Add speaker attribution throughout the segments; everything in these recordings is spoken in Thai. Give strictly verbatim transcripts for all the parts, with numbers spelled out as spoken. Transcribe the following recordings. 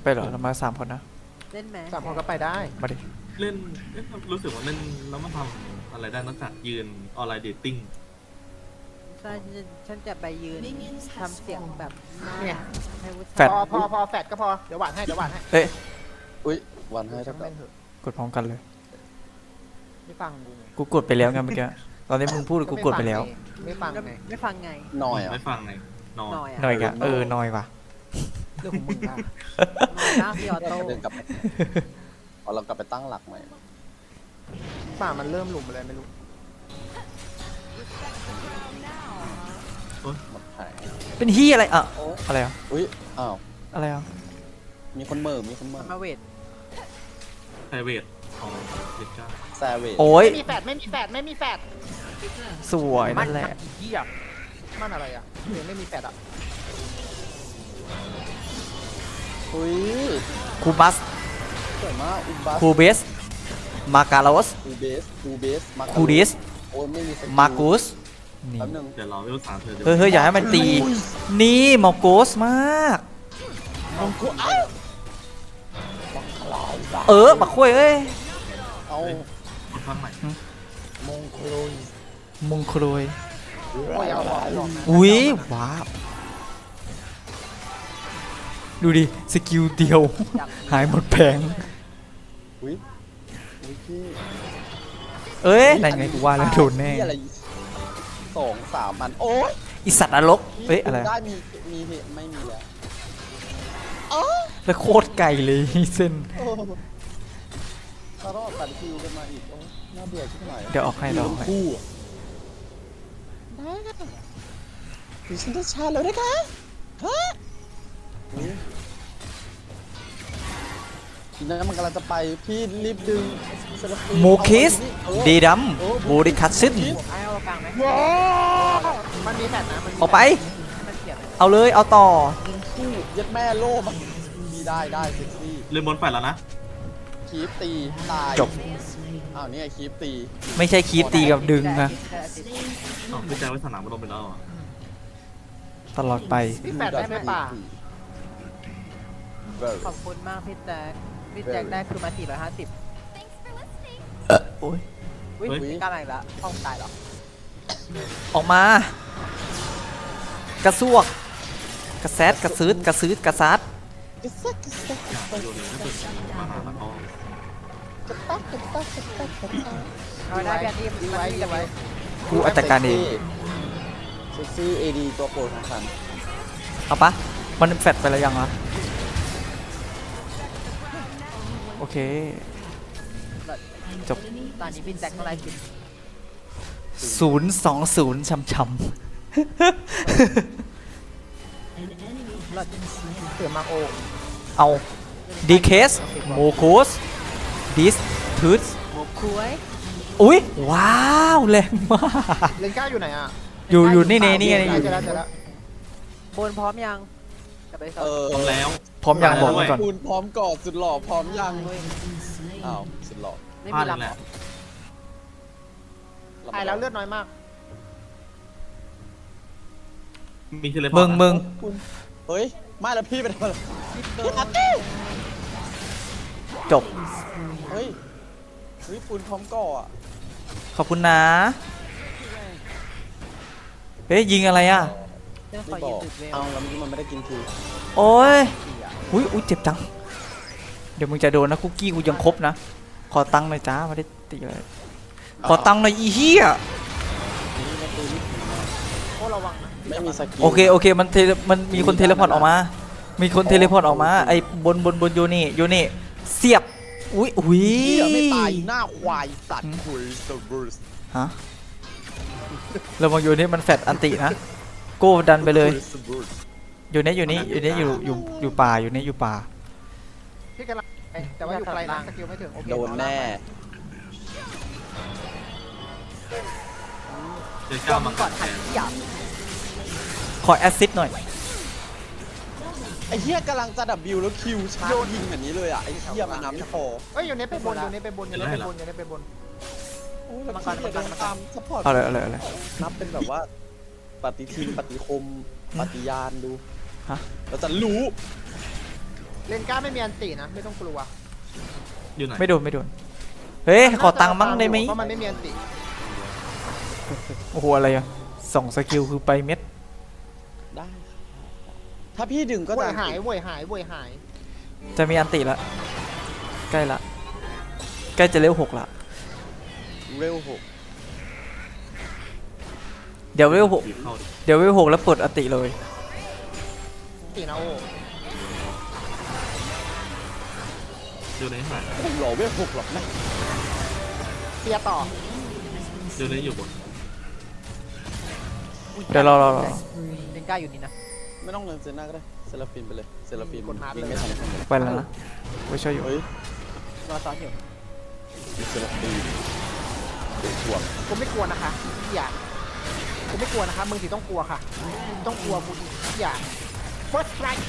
Speaker 1: ไปเหรอเรามาสามคนนะ
Speaker 2: เล่นไหม
Speaker 3: สามคนก็ไปได้
Speaker 1: มาดิ
Speaker 4: เล่นเอ๊ะรู้สึกว่าเล่นแล้วมันทำอะไรได้นอกจากยืนออนไลน์เดทติ้ง
Speaker 2: ใช่ฉันฉันจะไปยืนทำเสียงแบบหน้า
Speaker 3: เนี่ย
Speaker 2: ให้วุฒิ
Speaker 1: แฟด
Speaker 3: พอพอพอแฟดก็พอเดี๋ยวหวานให้เดี๋ยวหวานให้
Speaker 1: เอ๊ะ
Speaker 5: อุ้ยวันให้
Speaker 3: ช่า
Speaker 5: เท่าง กับ
Speaker 3: เล่นเถอะ
Speaker 1: กดพร้อมกันเลย
Speaker 3: ไม่ฟังกูไง
Speaker 1: กูกดไปแล้วไงเมื่อกี้ตอนนี้มึงพูดกูกดไปแล้ว
Speaker 3: ไม่ฟังไง
Speaker 2: ไม่ฟังไง
Speaker 5: หน่อยอ่ะ
Speaker 4: ไม่ฟังไงนอน
Speaker 2: หน่อย
Speaker 1: หน่
Speaker 2: อ่ะ
Speaker 1: อยกะเออหน่อยว่ะ
Speaker 3: เรื่องของมึงอะ
Speaker 2: หน้าพี่ออโต้
Speaker 5: เดินกลับไปเอาเรากลับไปตั้งหลักใหม่
Speaker 3: ป่ามันเริ่มหลุมอะไรไม่รู้
Speaker 5: หมดหาย
Speaker 1: เป็นฮียอะไรอ่ะอะไรอ่ะ
Speaker 5: อุ้ยอ้าว
Speaker 1: อะไรอ่ะ
Speaker 5: มีคนเหม่อมีคนเหม่อ
Speaker 2: มาเวท
Speaker 4: ไพรเวทของเด็กจ้า
Speaker 5: แซเวจ
Speaker 1: โอ้ย
Speaker 3: ไม่มีแฟดไม่มีแฟดไม่มีแฟด
Speaker 1: สวยนั่นแหละ
Speaker 3: เหี้ยมันอะไรอ่ะยังไม่มีแฟดอ่ะ
Speaker 5: อุ้ย
Speaker 1: คูบัส
Speaker 5: สวยมากอุบัส
Speaker 1: คูเบสมาการอส
Speaker 5: คูเบสคูเบสมา
Speaker 1: คูดิส
Speaker 5: โอ้ยไม่มีสกิล
Speaker 1: มากุสนี่
Speaker 5: แป๊บนึง
Speaker 4: เดี๋ยวรอเวลสามเธอเดี๋ยว
Speaker 1: เฮ้ยเฮ้ยอย่าให้มันตี นี่มอโกสมาก
Speaker 5: มองกูเอ้า
Speaker 1: เออบักคุยเอ้ย
Speaker 5: เอา
Speaker 4: คนฟังใหม่
Speaker 5: มงโคลย
Speaker 1: มงคลอย
Speaker 3: ไม่เอาหรอกหรอกนะ
Speaker 1: อุ้ยว้าวดูดิสกิลเดียว หายหมดแผง
Speaker 5: อุ้ยอุ้ยพี่
Speaker 1: เอ้ยนั่นไงกูว่าแล้วโดนแน่
Speaker 5: พี่อะไรสองสามมันโอ้ย
Speaker 1: อีสัตว์นรกเอ้ยอะไร
Speaker 5: ได้มีมีเหตุไม่มีแล้ว
Speaker 1: แล้วโคตรไกลเลยเส้น
Speaker 5: โอ้ถ้ารอดตัดคิวกันมาอีกโอ้น่าเบื่อชิบหาย
Speaker 1: เดี๋ยวออกให้เดี๋ยวออกให้
Speaker 5: คู่อะได้ค่ะดิฉันจะชาแล้วนะคะฮะอุ๊ยทีนั้นมันกำลังจะไปพี่รีบดึงเซลฟี่
Speaker 1: โมคิส
Speaker 5: เออ
Speaker 1: เดดัมโบริคัตซึน
Speaker 2: ไอ้เอากลางไหม
Speaker 3: ว้าวมันมีแฟดนะมันมี
Speaker 1: ออกไป
Speaker 2: ให้มันเสียบ
Speaker 1: เอาเลยเอาต่อ
Speaker 5: ยิงคู่ยัดแม่โล่มันมีได้ได้เซ็กซี่
Speaker 4: เล่นบนไฟแล้วนะ
Speaker 5: คีปตีตาย
Speaker 1: จบ
Speaker 5: อ้าวนี่ไงคีปตี
Speaker 1: ไม่ใช่คีปตีกับดึงนะ
Speaker 4: อ๋อพี่แจ๊คไว้สนามมันลงไปแล้วเหรอ
Speaker 1: ตลอดไป
Speaker 3: พี่แฟดได้ไหมป่า
Speaker 2: ขอบคุณมากพี่แจ็คพี่แจ็คได้คือมาสี่ร้อยห้าสิบ
Speaker 1: โอ้ย
Speaker 2: วิ่งไม่กล้ามาอีกแล้วห้องตายเหรอ
Speaker 1: ออกมา กระซวก กระแซดกระซืดกระซืดกระซัด
Speaker 5: กระซักกระซักกระซัก
Speaker 4: โยนเลยก็คือมาหาแล้วก็
Speaker 5: กระตักกระตักกระตักกระตัก
Speaker 2: เอาได้พี่อันนี้
Speaker 3: ดี
Speaker 2: มัน
Speaker 3: ไว้
Speaker 2: มี
Speaker 3: ดี
Speaker 2: จะไป
Speaker 3: ไว้
Speaker 1: กูอาจัดการเอง
Speaker 5: เซ็กซี่เอดีตัวโปรดของฉัน
Speaker 1: เอาปะมันแฟดไปแล้วยังวะโอเค จบ
Speaker 2: ตอนนี้พี่แจ็คเท่าไหร่สิบ
Speaker 1: ศูนย์สองศูนย์ช้ำช้
Speaker 3: เสือมาโอ
Speaker 1: ำเอาดีเคสโมโคสดิสทูส
Speaker 2: หมกคุ้ย
Speaker 1: อุ้ยว้าวแรงมาก
Speaker 3: เลนก้าอยู่ไหนอ่ะ
Speaker 1: อยู่อยู่นี่นี่นี่ไง
Speaker 3: เจ
Speaker 1: อยู่
Speaker 3: อแล้วเจอแล้ว
Speaker 2: บนพร้อมยังจะไปสอ
Speaker 5: เอบ อ
Speaker 4: พร้อมแล้ว
Speaker 1: พร้อมยังบอกไว้ก่อน
Speaker 5: คุณพร้อมกอดสุดหล่อพร้อมยังอ้าวสุดหล่อ
Speaker 2: ไม่
Speaker 4: พลา
Speaker 2: มี
Speaker 4: ด
Speaker 2: ลำ
Speaker 4: แห
Speaker 2: เหร
Speaker 4: ละ
Speaker 2: อ
Speaker 3: ตายแล้วเลือดน้อยมาก
Speaker 4: มีเทเลพอร์ต
Speaker 1: มึงมึง
Speaker 5: คุณเฮ้ยไม่แล้วพี่เป็นอะไร
Speaker 2: พี่อาร์ต
Speaker 1: จบ
Speaker 5: เฮ้ยเฮ้ยคุณพร้อมก่ออ่ะ
Speaker 1: ขอบคุณนะ เฮ้ยยิงอะไรอ่ะ
Speaker 2: เรื่องข
Speaker 5: ไม่
Speaker 2: อ
Speaker 5: บอก
Speaker 2: ยืมจุดเวล
Speaker 5: เอาแล้วเมื่อกี้มันไม่ได้กินที
Speaker 1: โอ้ยอุ้ยอุ้ยเจ็บจัง เดี๋ยวมึงจะโดนนะคุกกี้กูยังครบนะ ขอตังค์หน่อยจ้าไม่ได้ตีเลย ขอตังค์หน่อยอีเหี้ย
Speaker 5: นี่ไม่ตีนี่
Speaker 3: โอ้ระวังนะ
Speaker 5: ไม่มีสกิล
Speaker 1: โอเคโอเคมันเทเลมันมีคนเทเลพอร์ตออกมา มีคนเทเลพอร์ตออกมาไอ้บนบนบนโยนี่โยนี่เสียบ อุ้ยอุ้ย
Speaker 5: เหี้ยไม่ตายหน้าควายสัตว์คุยสบูส
Speaker 1: ฮะแล้วมองโยนี่มันแฟดอันตินะ โก้ดันไปเลย อยู่นี่อยู่นี่อยู่นี่อยู่อยู่อยู่ป่าอยู่นี่อยู่ป่า
Speaker 3: พี่กำลังไปแต่ว่าอยู่ไกลนะสกิลไม่ถึงโอเค
Speaker 5: โดนแน่
Speaker 4: เจอ
Speaker 2: ก่
Speaker 4: ก้า
Speaker 2: อน
Speaker 4: มา
Speaker 2: ก่
Speaker 4: ก่
Speaker 2: อ
Speaker 4: อน น
Speaker 2: ทั
Speaker 4: แท
Speaker 2: น
Speaker 4: น
Speaker 2: ที่อยาก
Speaker 1: ขอแอสซิสหน่อย
Speaker 5: ไอ้เหี้ยกำลังจะดับบิวแล้วคิวชาร์จยิงแบบนี้เลยอ่ะไอ้เหี้ยมันน้ำไม่พอ
Speaker 3: เอ้ยอยู่นี้ไปบนอยู่นี้ไปบนอยู่นี้ไปบนอยู่นี้ไปบน
Speaker 5: โอ้ยแล้วพี่เดินตามซัพพอร์ต
Speaker 1: เอาเลยเอาเลยเอาเลย
Speaker 5: นับเป็นแบบว่าปฏิทินปฏิคมปฏิญาณดู
Speaker 1: ฮะ
Speaker 5: เราจะรู้
Speaker 3: เลนก้าไม่มีอันตีนะ ไม่ต้องกลัว
Speaker 4: อยู่ไหน
Speaker 1: ไม่โดนไม่โดนเฮ้ยขอตังค์มั่งได้ไหม
Speaker 3: เพราะมันไม่มีอันตี
Speaker 1: โอ้โหอะไรอะสองสกิลคือไปเม็ด
Speaker 5: ได้ถ้าพี่ดึงก็
Speaker 3: ก็
Speaker 5: จะ
Speaker 3: จะหายเว้ยหายเว้ยหาย
Speaker 1: จะมีอันติละใกล้ละใกล้จะเลเวลหกละ
Speaker 5: เร็วหก
Speaker 1: เดี๋ยวเลเวลหก
Speaker 4: บีบเข้าดิ
Speaker 1: เดี๋ยวเลเวลหกแล้วเปิดอันติเลย
Speaker 3: ตีนะโอ้
Speaker 4: อยู่ในหาย
Speaker 5: ผมหล่อเวลหกหรอกนะ
Speaker 3: เตียต่อ
Speaker 4: อยู่ในอยู่บน
Speaker 1: เดี๋ยวรอรอรอ
Speaker 2: เลนก้าอยู่นี่นะ
Speaker 5: ไม่ต้องเงินเซน่าก็ได้เซราฟินไปเลยเซราฟิน
Speaker 3: กดฮาร์ด
Speaker 5: วิ่ง
Speaker 3: เลย
Speaker 5: ไม่ทันคนเลย
Speaker 1: ไปแล้วนะไว้ช่วยอยู่
Speaker 5: เฮ้ย
Speaker 2: รอซ้อนอยู่
Speaker 5: มีเซราฟินเด็กห่วง
Speaker 3: กูไม่กลัวนะคะอย่ากูไม่กลัวนะคะมึงสิต้องกลัวค่ะต้องกลัวกูอย่า first strike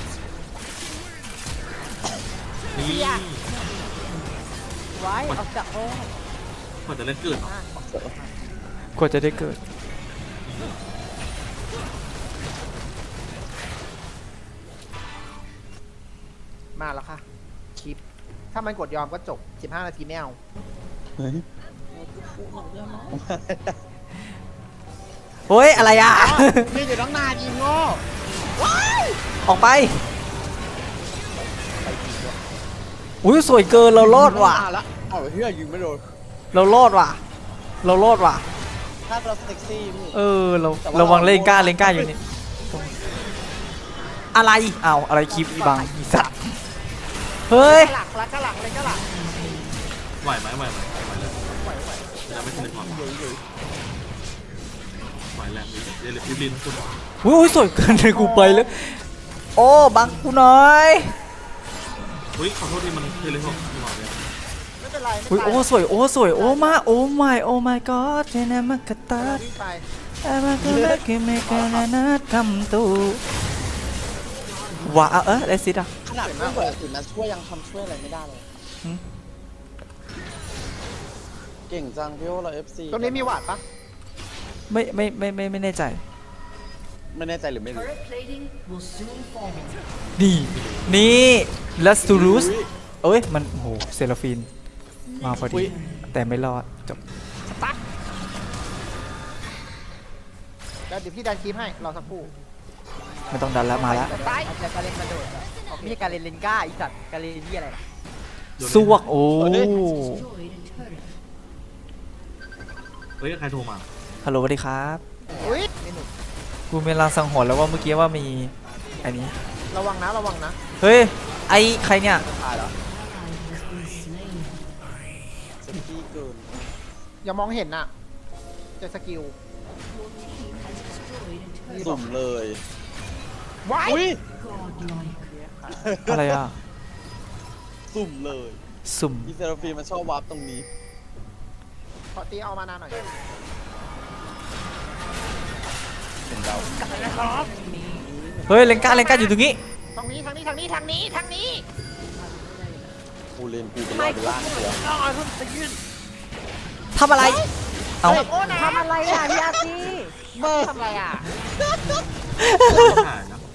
Speaker 4: นี่
Speaker 2: ไว้ออกจากโอ้
Speaker 4: กว่าจะเล่นเกิดเหรอก
Speaker 1: ว่าจะได้เกิด
Speaker 3: มาแล้วค่ะคลิปถ้ามันกดยอมก็จบสิบห้านาทีไม่เอา
Speaker 5: เฮ้ย
Speaker 1: เฮ้ยอะไรอะ
Speaker 5: มีอยู่ตั้งนานอีโง่
Speaker 1: ออกไปอุ้ยสวยเกินเรารอดว่ะ
Speaker 5: ตั้งนานละเอาเฮียยิงไม่โดน
Speaker 1: เรารอดว่ะ เรารอดว่ะ
Speaker 5: ถ้าเราเซ็กซี่พี่
Speaker 1: เออเราระวังเลนก้าเลนก้าอยู่นี่อะไรเอาอะไรคลิปอีบังอีสัตว์เฮ้ย
Speaker 3: หลักแล้วก็หลักเลยก็หลัก
Speaker 4: ไหวไหมไหวไหมไหวเลยจะไม่ทันความไหวแรงเดี๋ยวรีบลินคุณ
Speaker 1: อุ้ยสวยเกินเลยกูไปเลยโอ้บังกูหน่อย
Speaker 4: อุ้ยขอโทษที่มันเทเลพอร์ตหน่อยเนี่ย
Speaker 3: ไม่เป็นไรไม่
Speaker 1: อุ้ย
Speaker 3: เป็น
Speaker 1: โอ้
Speaker 3: ไร
Speaker 1: สวยโอ้สวยโอ้มาโอ้ my โอ้ my god เจนามากาตา
Speaker 3: วิ่งไป
Speaker 1: อามาคาเมกิเมกานานาคำตูว้าเออได้สิอ่ะ
Speaker 5: ขนาดเพื่อนเปิดถึงมาช่วยยังทำช่วยอะไรไม่ได้เลย
Speaker 1: หืม
Speaker 5: เก่งจังพี่โอเราเอฟซี
Speaker 3: ตรงนี้มีหวาดปะ
Speaker 1: ไม่ไม่ไม่ไม่ไม่แน่ใจ
Speaker 5: ไม่แน่ใจหรือไม่รู้
Speaker 1: นี่นี่ลัสตูรุสเอ้ยมันโอ้โหเซราฟินมาพอดีแต่ไม่รอดจบ
Speaker 3: แล้วเดี๋ยวพี่ดันคลิปให้รอสักครู่
Speaker 1: ไม่ต้องดันแล้วมาแล้ว
Speaker 3: ไป
Speaker 2: อาจจะการเล่นกระโดดอะไม่ใช่การเล่นเลนก้าอีสัตว์การเล่นที่อะไรล่ะ
Speaker 1: สวกโอ้
Speaker 4: เฮ้ยใครโทรมา
Speaker 1: ฮัลโหลสวัสดีครับ
Speaker 3: อุ้ยนี่หนุ่ม
Speaker 1: กูมีลางสังหรณ์แล้วว่าเมื่อกี้ว่ามีอันนี้
Speaker 3: ระวังนะระวังนะ
Speaker 1: เฮ้ยไอใครเนี่ย
Speaker 5: ตายแล้วเซ็กซี่เกิน
Speaker 3: อย่ามองเห็นน่ะเจะสกิล
Speaker 5: สุ่มเลย
Speaker 3: ว้าย
Speaker 5: อุ้ย
Speaker 1: อะไรอ่ะ
Speaker 5: สุ่มเลย
Speaker 1: สุ่ม
Speaker 5: อีเซราฟีมันชอบวาร์ปตรงนี้
Speaker 3: ขอตีเอามานานหน่อย
Speaker 5: เห็นเรา
Speaker 1: เฮ้ยเลนก้าเลนก้าอยู่ตรงนี้
Speaker 3: ทางนี้ทางนี้ทางนี้ทางนี้ทางนี้
Speaker 5: กูเล่นกูเป็นรอยเป็นล่างเสือ
Speaker 3: อ๋อรุ่นจะยืน
Speaker 1: ทำอะไร เอา
Speaker 3: โอ้นะ
Speaker 2: ทำอะไรอ่ะพี่อาร์ตี้
Speaker 3: เบอร์ทำอะไรอ่ะ
Speaker 4: หายนะ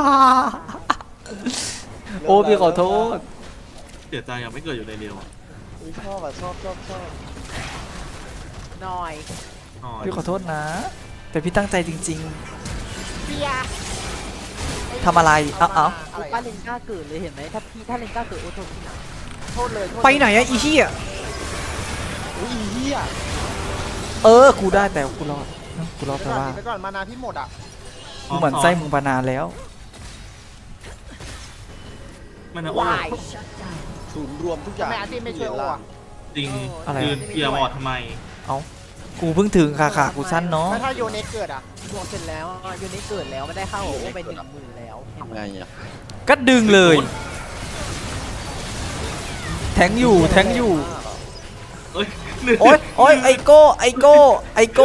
Speaker 1: โอ้พี่ขอโทษ
Speaker 4: เสียใจยังไม่เกิดอยู่ในเดียวอ่ะ
Speaker 5: อุ้ยชอบอ่ะชอบชอบชอบ
Speaker 2: หน่อย
Speaker 4: อ๋อ
Speaker 1: พี่ขอโทษนะ แต่พี่ตั้งใจจริง
Speaker 3: เบียร์
Speaker 1: ๆทำอะไร เอ้าเอ้า
Speaker 3: อะไร
Speaker 2: ป้า
Speaker 3: อะ
Speaker 2: เลนก้าเกิดเลยเห็นไหมถ้าพี่ถ้าเลนก้าเกิดโอ้โหพี่หนัก
Speaker 3: โทษเลยโทษเลย
Speaker 1: ไปไหนอะอีเหี้ย
Speaker 5: อุ้ยอีเหี้ย
Speaker 1: เออ กูได้แต่กูรอดเอ้ากูรอด
Speaker 3: เดี๋
Speaker 1: แต่
Speaker 3: ยวก่อน
Speaker 1: ว่า
Speaker 3: เดี๋ยวก่อนมานาพี่หมดอ่ะ
Speaker 1: กูเหมือนไส้มึงมานานแล้ว
Speaker 4: ไม่นะโอ้
Speaker 3: วาย
Speaker 5: ศูนย์รวมทุกอย่าง
Speaker 3: ทำไมอาร์ตี้ไม่ช่วยโอ้อะ
Speaker 4: จริง
Speaker 1: อะไร
Speaker 4: ยืนเกียร์บอร์ดทำไม
Speaker 1: เอ้า กูเพิ่งถึงค่ะค่ะกูสั้นเนาะ
Speaker 3: แล้วถ้าโยเนสเกิดอ่ะ
Speaker 2: ดวงเสร็จแล้วอ่ะยูนิเกิดแล้วไม่ได้เข้าโอ้ไปหนึ่งหมื่นแล้วเห็นไหม
Speaker 5: ทำไงอ่ะ
Speaker 1: ก็ดึงเลย แทงอยู่ แทงอยู่
Speaker 4: เอ้ย
Speaker 1: โอ๊ยโอ๊ยไอโก้ ไอโก้ ไอโก้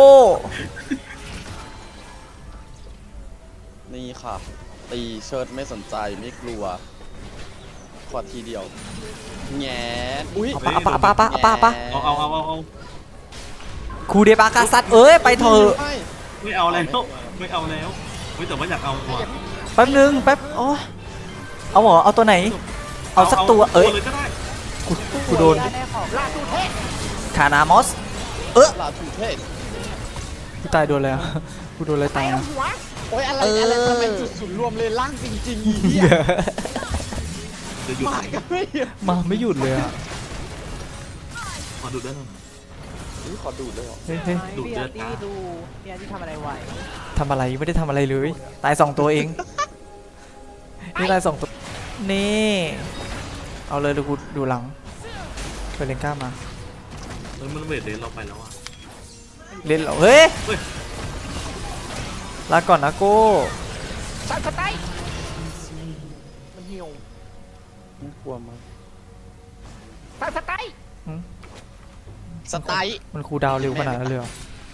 Speaker 5: นี่ค่ะ ตีเชิดไม่สนใจไม่กลัวขอทีเดียวแงนอุ้ย
Speaker 1: เอาปะเอาปะเอาปะเอาปะเอาปะเอาปะ
Speaker 4: เอาเอาเอาเอาเอา
Speaker 1: คูเดบากาซัดเอ้ย ไปเถอะ
Speaker 5: ไม่
Speaker 4: ไม่เอาแล้วไม่เอาแล้วไม่แต่ว่าอยากเอาว่ะ
Speaker 1: แป๊บนึง แป๊บ โอ้ยเอาเหรอ เอาตัวไหนเอาสักตัวเอ้ย
Speaker 4: เลยก็ได้
Speaker 1: กูกูโดน
Speaker 2: ได้ของลาดูเทศ
Speaker 1: คานามอสเออ
Speaker 5: ลาถูเทศ
Speaker 1: กูตายโดนแล้วกูโดนอะไรตาย
Speaker 2: เอา
Speaker 1: อะ
Speaker 2: หัว
Speaker 5: โอ้ยอะไร
Speaker 1: เอออ
Speaker 5: อะไรทำไมจุดศูนย์รวมเลยล่างจริงๆอีเหี้ย
Speaker 4: เดี๋ยวหยุด
Speaker 5: มาก็ไม่หยุด
Speaker 1: มาไม่หยุดเลยอะ
Speaker 4: ขอดูด้านหน่อย
Speaker 5: นี่ขอดูดเลยเหรอ
Speaker 1: เฮ้ยเฮ้ย
Speaker 4: ดูด
Speaker 2: พี่
Speaker 4: เลื
Speaker 2: อา
Speaker 4: อด
Speaker 2: ร์ตี้
Speaker 4: จ้า
Speaker 2: ดูพี่อาร์ตี้ทำอะไรไว
Speaker 1: ทำอะไรไม่ได้ทำอะไรเลย ตายสองตัวเองนี่ตายสองตัวนี่เอาเลยเดี๋ยวกูดูหลังเฟรนก้ามา
Speaker 4: เฮ้ยมันเวทเดนเราไปแล้วอ่ะ
Speaker 1: เล่นเหรอเฮ้ย
Speaker 4: เฮ้ย
Speaker 1: ลาก่อนนะโก้
Speaker 2: สัตว์สไตล์มันหิว
Speaker 5: น่ากลัวมาก
Speaker 2: สัตว์สไตล์
Speaker 5: สไตล์
Speaker 1: มันคูลดาวน์เร็วขนาดนั้นเลยเหรอ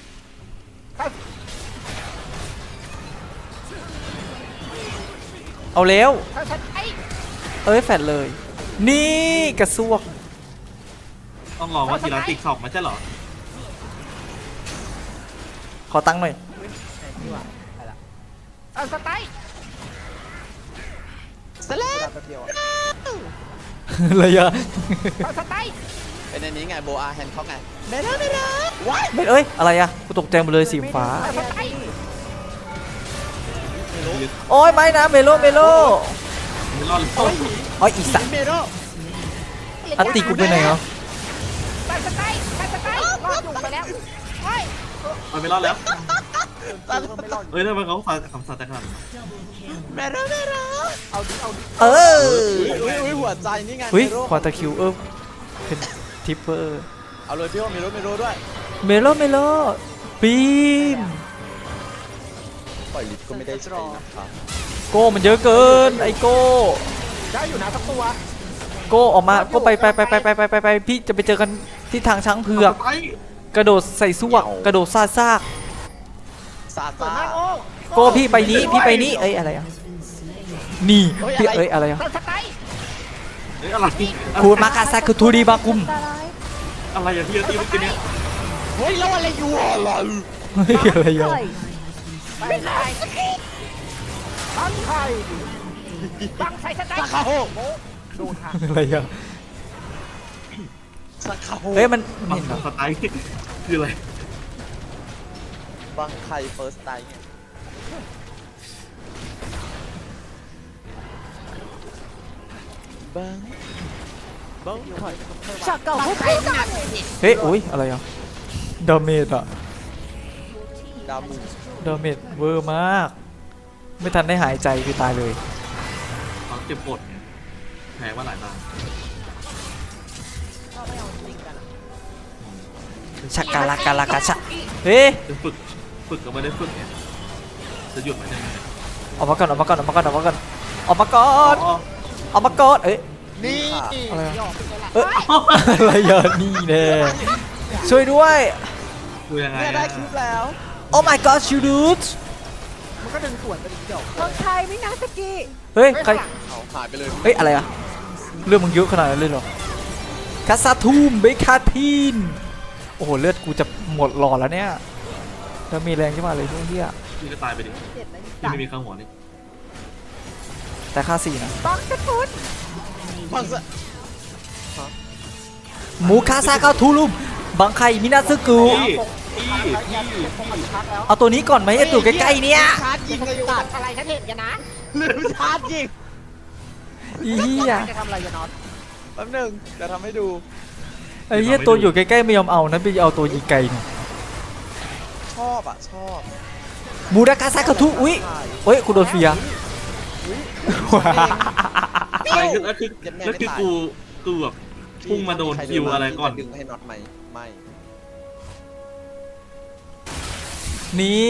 Speaker 1: เอาเร็ว
Speaker 2: สัตว์สไตล์
Speaker 1: เอ้ยแฟดเลย นี่กระซวก
Speaker 4: ต้องรอว่าทีละติกสอบมันใช่เหรอ
Speaker 1: ขอตั้งค์หน่อย
Speaker 2: ไหนที่ว่าไปละสัตว์สไตล์
Speaker 5: สแล
Speaker 2: เว
Speaker 5: บ
Speaker 2: ลาแป๊บเดียวอะ
Speaker 1: อะไรอะ
Speaker 2: สัตว์สไตล์
Speaker 5: เป็นอันนี้ไงโบอาแฮนด์เขาไงไม่ได้ไม่ได้ว้าย
Speaker 1: ไม่เอ้ยอะไรอะกูตกใจหมดเลยสีฟ้า
Speaker 2: สัตว์สไตล์
Speaker 1: โอ้ยไม่นะเมโลเมโล
Speaker 4: ไม่รอดเลย
Speaker 1: อ๋ออีสัตว์
Speaker 5: เมโร
Speaker 1: อันติกูไปไหนเหรอ
Speaker 2: สัตว์สไตล์สัตว์สไตล์รอดอยู่ไปแล้วเฮ้ย
Speaker 4: มันไม่รอดแล้ว
Speaker 2: เออไม่รอดอยู่
Speaker 4: เฮ้ยทำไมเขาฟาคำสั่งแต่ขนาดนั้น
Speaker 5: เมโรเมโร
Speaker 2: เอาดิเอาดิ
Speaker 1: เออ
Speaker 5: อุ้ยอุ้ยหัวใจนี่ไง
Speaker 1: เฮ้ย
Speaker 5: เมโร
Speaker 1: ควาตาคิวเออเป็นทิปเปอร์
Speaker 5: เอาเลยพี่ว่าเมโรเมโรด้วย
Speaker 1: เมโลเมโลปีน
Speaker 5: ปล่อยลิฟต์ก็ไม่ได้ใช้นะครับ
Speaker 1: โก้มันเยอะเกินไอโก้
Speaker 2: ได้อยู่นะสักตัว
Speaker 1: โก้ออกมาโก้ไปไปไปไปไปไปไปไปพี่จะไปเจอกันที่ทางช้างเผือก
Speaker 4: ไป
Speaker 1: กระโดดใส่ซวกกระโดดซาซาก
Speaker 5: ซา
Speaker 2: ส่วน
Speaker 5: ซา
Speaker 2: มากโอ้
Speaker 1: โก้พี่ไปนี้พี่ไปนี้เอ้ยอะไรอะนี่พี่เอ้ยอะไรอะ
Speaker 2: สัตว์สไตล์
Speaker 4: เฮ้ยอะไร
Speaker 1: คูมากาซาคือทูดีบากุม
Speaker 4: อะไรอย่างที่ตีเมื่อกี้เนี่ย
Speaker 5: เฮ้ยแล้วอะไรอยู่อะไร
Speaker 1: เฮ้ยอะไรอะ
Speaker 2: ไปไข่ตั้งไข่ตั้งใส่สไตล์
Speaker 5: สักขาโฮ
Speaker 2: โดนหัก
Speaker 1: อะไรอะ
Speaker 5: สักขาโฮ
Speaker 1: เฮ้ยมันมัน
Speaker 4: บัง
Speaker 1: เห็นเหรอ
Speaker 4: สไตล์คืออะไร
Speaker 5: บังไข่เฟิร์สไตล์ไงบังบังไข่
Speaker 2: ชักเก่าผู้ชายหนัก
Speaker 1: เฮ้ยอุ้ยอะไรอะดาเมจอะ
Speaker 5: ดามู
Speaker 1: ดาเมจเวอร์มาก ไม่ทันได้หายใจคือตายเลย
Speaker 4: เขาเจ็บปวดไงแพ้มาหลายตา
Speaker 1: ชักกาลากาลากาชะเฮ้ย
Speaker 4: จะฝึกฝึกก็ไม่ได้ฝึกไงจะหยุดมันยังไง
Speaker 1: ออกมาก่อนออกมาก่อนออกมาก่อนออกมาก่อนออกมาก่อน
Speaker 4: อ๋อ
Speaker 1: ออกมาก่อนเอ้ย
Speaker 5: นี่
Speaker 1: อะไรอะเอ้ยอะไรอะนี่แน่ช่วยด้วย
Speaker 4: คือยังไง
Speaker 5: เนี่ยได้คลิปแล้ว
Speaker 1: Oh my god you dude
Speaker 2: มันก็ดึงสวนไปเดียว
Speaker 6: คนไทยไม่นาสกิ
Speaker 1: เฮ้ยใคร
Speaker 5: เอาหายไปเลย
Speaker 1: เฮ้ยอะไรอะเรื่องมึงเยอะขนาดนั้นเลยเหรอคาซาทูมเบคาทีนโอ้โหเลือดกูจะหมดหลอดแล้วเนี่ยแล้วมีแรงขึ้นมาเลยพวกเหี้ย
Speaker 4: พี่ก็ตายไปดิ
Speaker 6: เจ็ดนะ
Speaker 4: พี่ไม่มีข้างหัวนี่
Speaker 1: แต่ค่าสี่นะ
Speaker 6: บังกระทุน
Speaker 5: บังสะ
Speaker 1: หมูคาซาคาทูลุมบางไคมินาซึกุ
Speaker 4: พี่พี่พี่พี่
Speaker 1: เอาตัวนี้ก่อนไหมไอตัวใกล้ๆเนี่ย
Speaker 5: ชาร์จยิงเลยอยู่
Speaker 2: ตัดอะไรฉันเห็นกันนะ
Speaker 5: ลืมชาร์จยิง
Speaker 1: อีเหี้ย
Speaker 2: จะทำอะไรกันน็อต
Speaker 5: แป๊บหนึงจะทำให้ดู
Speaker 1: ไอ้เหี้ยตัวอยู่ใกล้ๆไม่ยอมเอานะไปเอาตัวยิงไกลนี่
Speaker 5: ชอบอ่ะชอบ
Speaker 1: มูราคาซาคาทูอุ้ยเฮ้ยกูโดนเฟีย
Speaker 4: อะไรคือแล้วคือแล้วคือกูกูแบบพุ่งมาโดนคิวอะไรก่อน
Speaker 5: ดึงให้น็อตไหมไม่
Speaker 1: นี่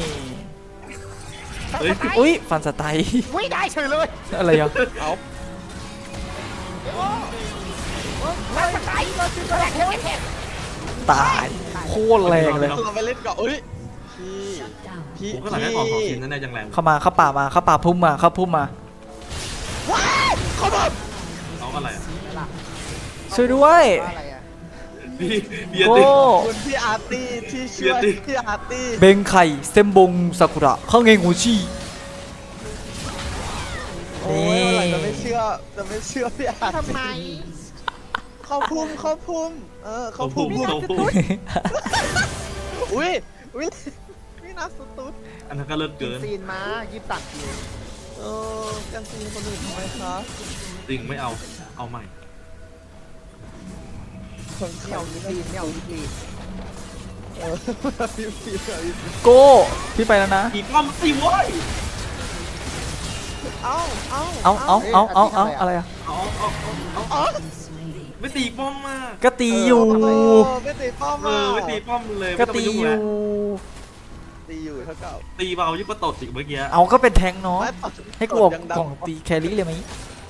Speaker 4: เฮ้ย
Speaker 1: อุ้ยฟันสไตล์
Speaker 2: วิ่งได้เฉยเลย
Speaker 1: อะไรอ่ะ
Speaker 5: เอา
Speaker 2: สัตว์สไตล์เราคือแรงแค่
Speaker 1: ตายโคตรแรงเลย
Speaker 5: เราไปเล่นก่อนเอ้ยพี่พี่
Speaker 4: ผมก็หลังได้ออกสองชิ้นนั่นแหละยังแรง
Speaker 1: เข้ามาเข้าป่ามาเข้าป่าพุ่มมาเข้าพุ่มมา
Speaker 5: ว้ายเขาแบบ
Speaker 4: เอาอะไรอ่ะ
Speaker 1: ช่วยด้วย
Speaker 2: อะไรอ่ะ
Speaker 4: พี่เบียร์
Speaker 1: โก้
Speaker 4: ติ
Speaker 5: คุณพี่อาร์ตี้ที่ช่วย
Speaker 4: เบียร์ติ
Speaker 5: พี่อาร์ตี้
Speaker 1: เบงไข่เซมบงซากุระข้างเงงูชี
Speaker 5: โอ้ยอะไรจะไม่เชื่อจะไม่เชื่อพี่อาร์ต
Speaker 3: ทำไม
Speaker 5: เข้าพุ่มเข้าพุ่มเออเข้า
Speaker 4: เขา
Speaker 5: พุ่
Speaker 4: พุ่
Speaker 5: ม
Speaker 4: งเขาพุ่ง
Speaker 5: อุ้ยอุ้ยพี่นัทสตุ๊ด
Speaker 4: อันนั้นก็เลิศ
Speaker 3: กิน
Speaker 4: เกิน
Speaker 3: ซีนมายิบตัดอยู่
Speaker 5: เออกันซีนคนอื่นทำไมคะ
Speaker 4: จริงไม่เอาเอาใหม่
Speaker 5: คน
Speaker 3: ไม่
Speaker 5: เขา
Speaker 3: เอายิบซีนไม่เอายิบซีน
Speaker 5: เออพี่พี่พี่
Speaker 1: โก้พี่ไปแล้วนะ
Speaker 4: อีป้อมสิโว้ย
Speaker 5: เอ้าเอ้า
Speaker 1: เอาเอาเอาเอาเอาอะไรอะ
Speaker 4: เอาเอาเอาเอา
Speaker 5: เอ้า
Speaker 4: ไม่ตีป้อมมาก
Speaker 1: ก็ตีอยู่
Speaker 5: เออไม่ตีป้อม
Speaker 4: เออไม่ตีป้อมเลย
Speaker 1: ก็
Speaker 4: ไม่ต้อง
Speaker 1: ตี
Speaker 4: ไปยุ่ง
Speaker 1: อ
Speaker 4: แล้
Speaker 1: ยู่
Speaker 4: ว
Speaker 5: ตีอยู่เท่าเก่า
Speaker 4: ตีเบายิ่งกว่าตดอีกเมื่อกี้
Speaker 1: เอาก็เป็นแทงเนาะ
Speaker 5: ไม่ตด
Speaker 1: ให้กูบอก
Speaker 5: ยังดัง
Speaker 1: กล่องตีแครี่เลยไหม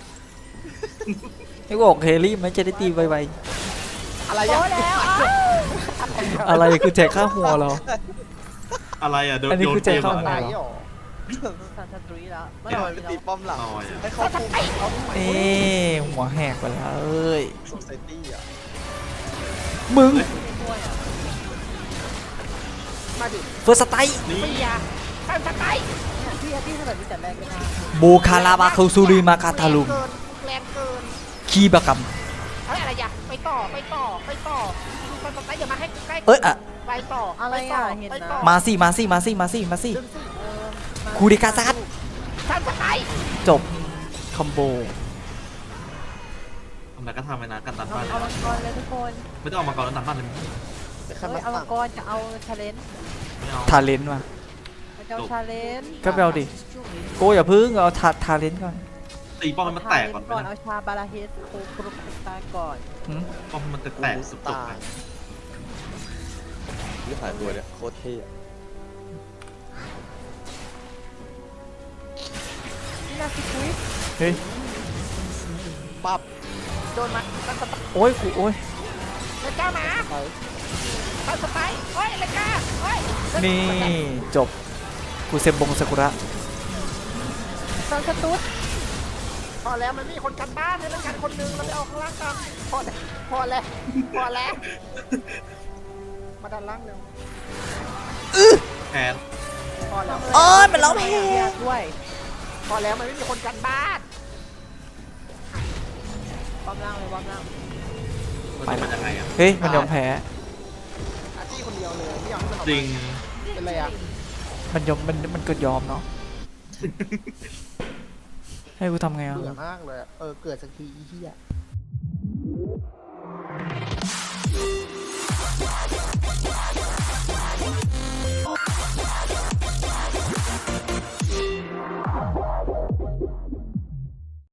Speaker 1: ให้กูบอกแครี่ไหมจะได้ตีไว
Speaker 5: อะไรยัง
Speaker 1: ๆอะไรคือแจกค่าหัวเหรอ
Speaker 4: อะไรอ่ะโดน
Speaker 1: อันนี้
Speaker 4: โดน
Speaker 1: คือใจ
Speaker 4: เกม
Speaker 1: เข้า
Speaker 4: อะ
Speaker 3: ไหน
Speaker 4: ไร
Speaker 3: หรอ
Speaker 2: สันสตรีแล้วเมื่อ
Speaker 5: ทำ
Speaker 2: ก่
Speaker 5: ไม
Speaker 2: อน
Speaker 5: ไม่
Speaker 2: นี้
Speaker 5: ตีป้อมหลัง
Speaker 4: ต่อยอ่ะ
Speaker 5: ให้เข้าพุ่มเขา
Speaker 1: เอ๊ะหัวแหกไปแล้วเอ้ย
Speaker 5: โซไซตี้อ่ะ
Speaker 1: มึง
Speaker 2: ช่วยอ่ะ
Speaker 3: มาดิ
Speaker 1: เฟิร์สสไตล์
Speaker 4: นี่
Speaker 3: เปียท่านสไตล์
Speaker 2: เนี่ยพี่พี่ถนัดที่แต่แรกไม่ได้
Speaker 1: บูคาราบาคูซูริมาคาทาลุม
Speaker 3: แรงเกินแรงเกิน
Speaker 1: คีบะกัม
Speaker 3: เฮ้ยอะไรอย่าไปต่อไปต่อไปต่อท่านสไตล์อย่ามาให้ใกล้
Speaker 1: เอ้ยอะ
Speaker 3: ไปต่อ
Speaker 2: อะไร
Speaker 3: ปต่
Speaker 2: อ่ะเห็น
Speaker 3: ไป
Speaker 2: นะ
Speaker 3: ต่อ
Speaker 1: มาสิมาสิมาสิมาสิมาสิ
Speaker 3: ดึงสิ
Speaker 2: เออมา
Speaker 1: คูริกาซัด
Speaker 3: ท่านสไตล์
Speaker 1: จบคอมโบ
Speaker 4: ทำไมก็ทำไปนะกันตัน
Speaker 2: เอา
Speaker 4: บ้าน
Speaker 2: เอามังกรเลยทุกคน
Speaker 4: ไม่ต้องเอามาก่อนแล้วตันบ้านเลย
Speaker 5: ไป
Speaker 2: เฮ้
Speaker 5: ขั้น
Speaker 2: ย
Speaker 5: มา
Speaker 2: เอามั
Speaker 5: ตั้
Speaker 2: ง
Speaker 5: ง
Speaker 2: กรจะเอาชาเลนจ์
Speaker 4: ไม่เอา
Speaker 1: ทาเลนต์มา
Speaker 2: จะเอาชาเลนจ์
Speaker 1: ก็ไปเอาดิโกอย่าพึ่งเอาทาทาเลนต์ก่อน
Speaker 4: ตีป้อมให้มันแตกก่อน
Speaker 2: ก่อน
Speaker 4: ไม่
Speaker 2: เอา
Speaker 4: ได้
Speaker 2: ชาบาราเฮสโคกรุปตาก่อน
Speaker 1: หืม
Speaker 4: ป้อมให้มันแตกๆสุดๆไป
Speaker 5: ที่หายตัวเนี่ยโคตรเท่อะ
Speaker 2: นี่นาซิคุย
Speaker 1: เฮ้ย
Speaker 5: ปั๊บ
Speaker 3: โดนมาท่านสไตล์
Speaker 1: โอ้ยกูโอ้ย
Speaker 3: เลก้ามา
Speaker 5: ไป
Speaker 3: ท่านสไตล์เฮ้ยเลก้าเฮ้ย
Speaker 1: นี่จบกูเซมบงซากุระ
Speaker 2: ซันสตุ๊ด
Speaker 3: พอแล้วมันไม่มีคนกันบ้านให้เล่นกันคนหนึงเราไปเอาข้างล่างกันพอแล้วพอแล้วพอแล้วมาด้านล่างเร็ว
Speaker 4: แทน
Speaker 3: พอแล้ว
Speaker 1: โอ้ยมันร้องเพลง
Speaker 2: ด้วย
Speaker 3: พอแล้วมันไม่มีคนกันบ้าน
Speaker 2: ความล่างเลยความล่าง
Speaker 4: มันจะเป็นยังไงอ่ะ
Speaker 1: เฮ้ยมันยอมแพ้
Speaker 3: อาชีพคนเดียวเลยไม่อยากให้มันออก
Speaker 4: จริง
Speaker 3: มาเป็นไรอ่ะ
Speaker 1: มันยอมมันมันก็ยอมเนาะให้กูทำไงอ่ะ
Speaker 3: เบื่อมากเลยอะเออเกิดสักทีอีเหี้ย